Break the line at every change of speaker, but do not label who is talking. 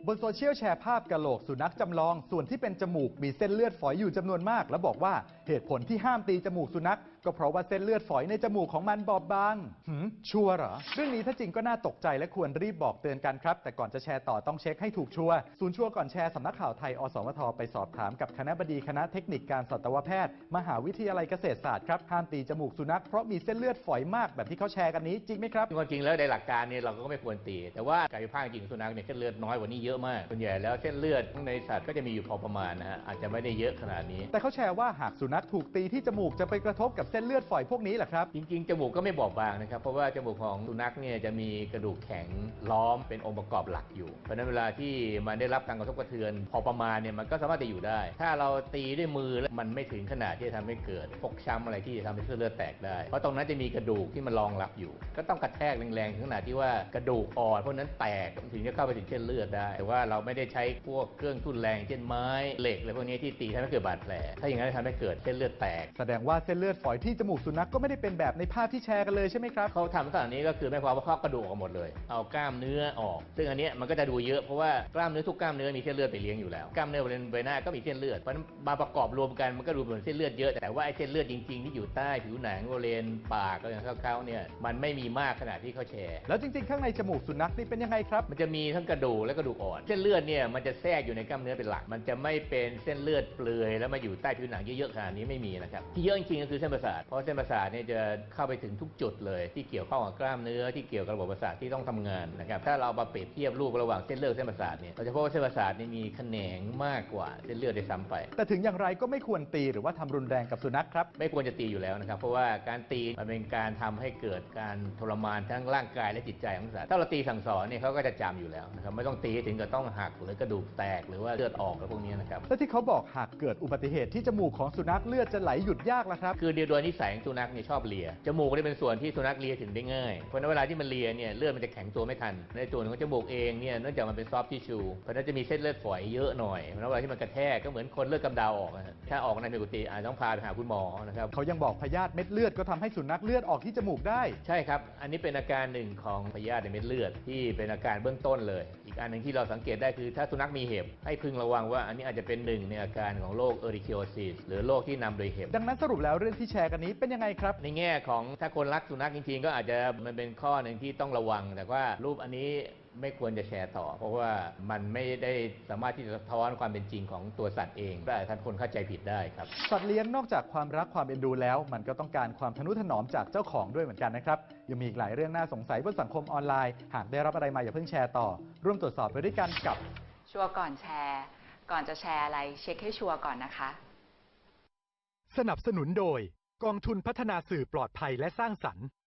บนโซเชียลแชร์ภาพกะโหลกสุนัขจำลองส่วนที่เป็นจมูกมีเส้นเลือดฝอยอยู่จำนวนมากและบอกว่าเหตุผลที่ห้ามตีจมูกสุนัขก็เพราะว่าเส้นเลือดฝอยในจมูกของมันบอบบางชัวร์เหรอเรื่องนี้ถ้าจริงก็น่าตกใจและควรรีบบอกเตือนกันครับแต่ก่อนจะแชร์ต่อต้องเช็คให้ถูกชัวร์ศูนย์ชัวร์ก่อนแชร์สำนักข่าวไทยอสมทไปสอบถามกับคณบดีคณะเทคนิคการสัตวแพทย์มหาวิทยาลัยเกษตรศาสตร์ครับห้ามตีจมูกสุนัขเพราะมีเส้นเลือดฝอยมากแบบที่เขาแชร์กันนี้จริงไหมครับ
จริงแล้วในหลักการเนี่ยเราก็ไม่ควรตีแต่ว่าการวิพากษ์จริงสุนัขเนี่ยเส้นเลือดน้อยกว่านี้เยอะมากส่วนใหญ่แล้วเส้นเลือดในสัตว์ก็จะมีอยู่พอประมาณนะฮะอาจจะไม่ได้เยอะขนาดนี้
แต่เขาแชร์ว่าหากสุนัขถูกตีที่จมูกจะไปกระทบกับเส้นเลือดฝอยพวกนี้แหละครับ
จริงๆจมูกก็ไม่บอบบางนะครับเพราะว่าจมูกของสุนัขเนี่ยจะมีกระดูกแข็งล้อมเป็นองค์ประกอบหลักอยู่เพราะฉะนั้นเวลาที่มันได้รับการกระทบกระเทือนพอประมาณเนี่ยมันก็สามารถจะอยู่ได้ถ้าเราตีด้วยมือแล้วมันไม่ถึงขนาดที่จะทำให้เกิดฟกช้ำอะไรที่จะทำให้เส้นเลือดแตกได้เพราะตรงนั้นจะมีกระดูกที่มันรองรับอยู่ก็ต้องกระแทกแรงๆถึงขนาดที่ว่ากระดูกอ่อนพวกนั้นแตกถึงจะเข้าไปถึงเส้นเลือดได้แต่ว่าเราไม่ได้ใช้พวกเครื่องทุ่นแรงเช่นไม้เหล็กอะไรพวกนี้ที่ตีทำให้เกิดบาดแผลถ้าอย่างนั้นจะทำให้เกิดเส้นเลือดแตก
แสดงว่าเส้นเลือดฝอยที่จมูกสุนัขก็ไม่ได้เป็นแบบในภาพที่แชร์กันเลยใช่ไหมครับ
เขาทำลักษณะนี้ก็คือไม่ความว่าเขากระดูกออกหมดเลยเอากล้ามเนื้อออกซึ่งอันนี้มันก็จะดูเยอะเพราะว่ากล้ามเนื้อทุกกล้ามเนื้อมีเส้นเลือดไปเลี้ยงอยู่แล้วกล้ามเนื้อบริเวณใบหน้าก็มีเส้นเลือดเพราะมาประกอบรวมกันมันก็ดูเหมือนเส้นเลือดเยอะแต่ว่าไอ้เส้นเลือดจริงๆที่อยู่ใต้ผิวหนังบริเวณปากก็อย่างเขาเนี่ยมันไม่มีมากขนาดที่เขาแชร์
แล้วจริงๆข้างในจมูกสุนัขนี่เป็นยังไงครับ
มันจะมีทั้งกระดูกและกระดูกอ่อนเส้นเลือดเนี่ยมันจะแทรกอยู่ในกล้ามเนื้อเป็นหลักมันจะไม่เป็นเส้นเลือดเปลือยแล้วมาอยู่ใต้ผิวหนังเยอะๆขนาดนี้ไม่มีนะครับที่เยอะจริงๆก็คือเส้นประสาทเพราะเส้นประสาทเนี่ยจะเข้าไปถึงทุกจุดเลยที่เกี่ยวข้องกับกล้ามเนื้อที่เกี่ยวกับระบบประสาทที่ต้องทำงานนะครับถ้าเรามาเปรียบเทียบรูประหว่างเส้นเลือดเส้นประสาทเนี่ยเราจะพบว่าเส้นประสาทนี่มีแขนงมากกว่าเส้นเลือดได้ซ้ำไป
แต่ถึงอย่างไรก็ไม่ควรตีหรือว่าทำรุนแรงกับสุนัขครับ
ไม่ควรจะตีอยู่แล้วนะครับเพราะว่าการตีมันเป็นการทำให้เกิดการทรมานทั้งร่างกายและจิตใจของสัตว์ถ้าเราตีสั่งสอนเนี่ยเขาก็จะจำอยู่แล้วนะครับไม่ต้องตีถึงกับต้องหักหรือกระดูกแตกหรือว่าเลือดออกอะไรพวกนี้นะครับ
และที่เขาบอกหากเกิดอุบัติเหตุที่จมูกของสุนัขเลือดจะไหลหยุดยากล่ะครับ
คือโดยนิสัยของสุนัขเนี่ยชอบเลียจมูกนี่เป็นส่วนที่สุนัขเลียถึงได้ง่ายเพราะในเวลาที่มันเลียเนี่ยเลือดมันจะแข็งตัวไม่ทันในส่วนของจมูกเองเนี่ยเนื่องจากมันเป็นซอฟต์ทิชชูเพราะนั้นจะมีเส้นเลือดฝอยเยอะหน่อยเพราะเวลาที่มันกระแทกก็เหมือนคนเลือดกำเดาออกถ้าออกในปกติอาจต้องพาไปหาคุณหมอนะครับ
เขายังบอกพยาธิเม็ดเลือดก็ทำให้สุนัขเลือดออกที่จมูกได้
ใช่ครับอันนี้เป็นอาการหนึ่งของพยาธิในเม็ดเลือดที่เป็นอาการเบื้องต้นเลยอีกอันหนึ่งที่เราสังเกตได้คือถ้าสุนัขมีเห็บให้พึงระวังว่าอันนี้อาจจะเป็นหนึ่งในอาการของโรคเอริคิโอซิสหรือโรคที่นำโดยเห็บ
ดังนั้นสรุปแล้วเรื่องที่แชร์กันนี้เป็นยังไงครับ
ในแง่ของถ้าคนรักสุนัขจริงๆก็อาจจะมันเป็นข้อหนึ่งที่ต้องระวังแต่ว่ารูปอันนี้ไม่ควรจะแชร์ต่อเพราะว่ามันไม่ได้สามารถที่จะสะท้อนความเป็นจริงของตัวสัตว์เองแต่ท่านคนเข้าใจผิดได้ครับ
สัตว์เลี้ยงนอกจากความรักความเอ็นดูแล้วมันก็ต้องการความทนุถนอมจากเจ้าของด้วยเหมือนกันนะครับยังมีอีกหลายเรื่องน่าสงสัยบนสังคมออนไลน์หากได้รับอะไรมาอย่าเพิ่งแชร์ต่อร่วมตรวจสอบไปด้วยกันกับ
ชัวร์ก่อนแชร์ก่อนจะแชร์อะไรเช็คให้ชัวร์ก่อนนะคะ
สนับสนุนโดยกองทุนพัฒนาสื่อปลอดภัยและสร้างสรรค์